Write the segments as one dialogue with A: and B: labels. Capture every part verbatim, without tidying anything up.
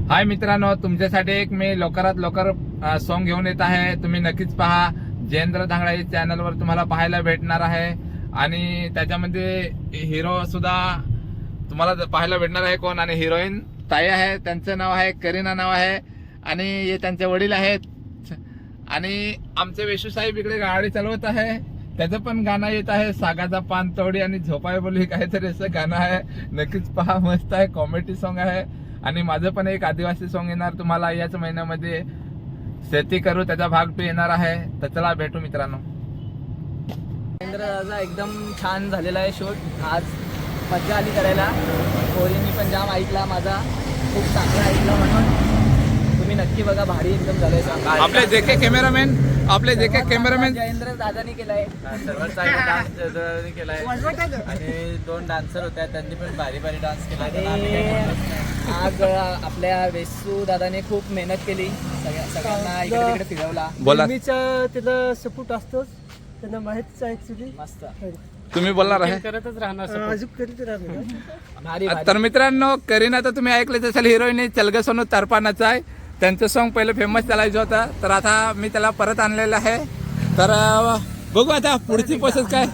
A: हाय मित्रांनो, तुमच्यासाठी एक मी लवकरात लवकर सॉन्ग घेऊन येत आहे. तुम्ही नक्कीच पहा. जयेंद्र धांगडे चॅनलवर तुम्हाला पाहायला भेटणार आहे आणि त्याच्यामध्ये हिरो सुद्धा तुम्हाला पाहायला भेटणार आहे. कोण आणि हिरोईन ताई आहे. त्यांचं नाव आहे करीना नाव आहे आणि हे त्यांचे वडील आहेत. आणि आमचे वेशू साहेब इकडे गाडी चालवत आहे. त्याचं पण गाणं येत आहे, सागाचा पान तोडी आणि झोपाय बोली काहीतरी असं गाणं आहे. नक्कीच पहा, मस्त आहे, कॉमेडी सॉन्ग आहे. आणि माझं पण एक आदिवासी सॉन्ग येणार तुम्हाला याच महिन्यामध्ये, शेती करू त्याचा भाग टू येणार आहे. तर चला भेटू मित्रांनो.
B: जयेंद्रचा एकदम छान झालेला आहे शूट. आज मजा आली करायला. पोरींनी पण जाम ऐकला माझा, खूप चांगला ऐकला, म्हणून तुम्ही नक्की बघा. भारी एकदम झालंय.
A: आपले जे के कॅमेरामॅन आपले जे के कॅमेरामॅन
B: जयेंद्र दादानी केलाय.
C: सर्वात चांगला डान्स केलाय आणि दोन डान्सर होत्या, त्यांनी पण भारी भारी डान्स केला.
B: आणि आज आपल्या वेसू दादाने खूप मेहनत केली, सगळ्या सगळ्यांना इकडे तिकडे फिरवला.
A: बोला,
D: त्याला सपोर्ट असतोच, त्यांना माहितीच आहे ऍक्च्युली.
B: मस्त
A: तुम्ही बोलणार आहे.
C: करतच राहणार.
D: अजून करीत राहणार.
B: भारी भारी.
A: तर मित्रांनो, करीना तर तुम्ही ऐकलं असेल, हिरोईन चलग सोनू तरपानाचा आहे. त्यांचं सॉन्ग पहिलं फेमस चालायचं होतं, तर आता मी त्याला परत आणलेलं आहे. तर बघू आता पुढची प्रोसेस काय.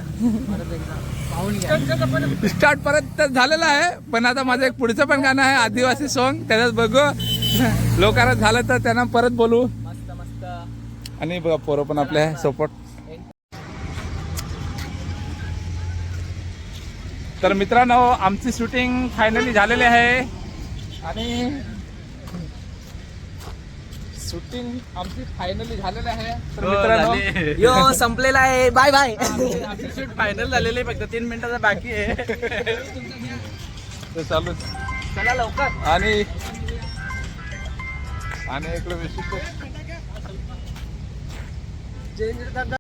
A: स्टार्ट परत तर झालेलं आहे, पण आता माझं एक पुढचं पण गाणं आहे आदिवासी सॉन्ग, त्याच्यात बघू लोकांना झालं तर त्यांना परत बोलू.
B: मस्त मस्त.
A: आणि बघा पोरं पण आपल्या सपोर्ट. तर मित्रांनो, आमची शूटिंग फायनली झालेली आहे आणि शूटिंग आमची फायनली झालेली आहे. तर मित्रांनो,
B: यो संपलेला आहे. Bye bye.
C: आमची शूट फायनल झालेली आहे, फक्त तीन मिनिटाचा बाकी आहे.
A: ते चालू
B: चला लवकर.
A: आणि आणि इकडे विशिष्ट
D: जयेंद्र दादा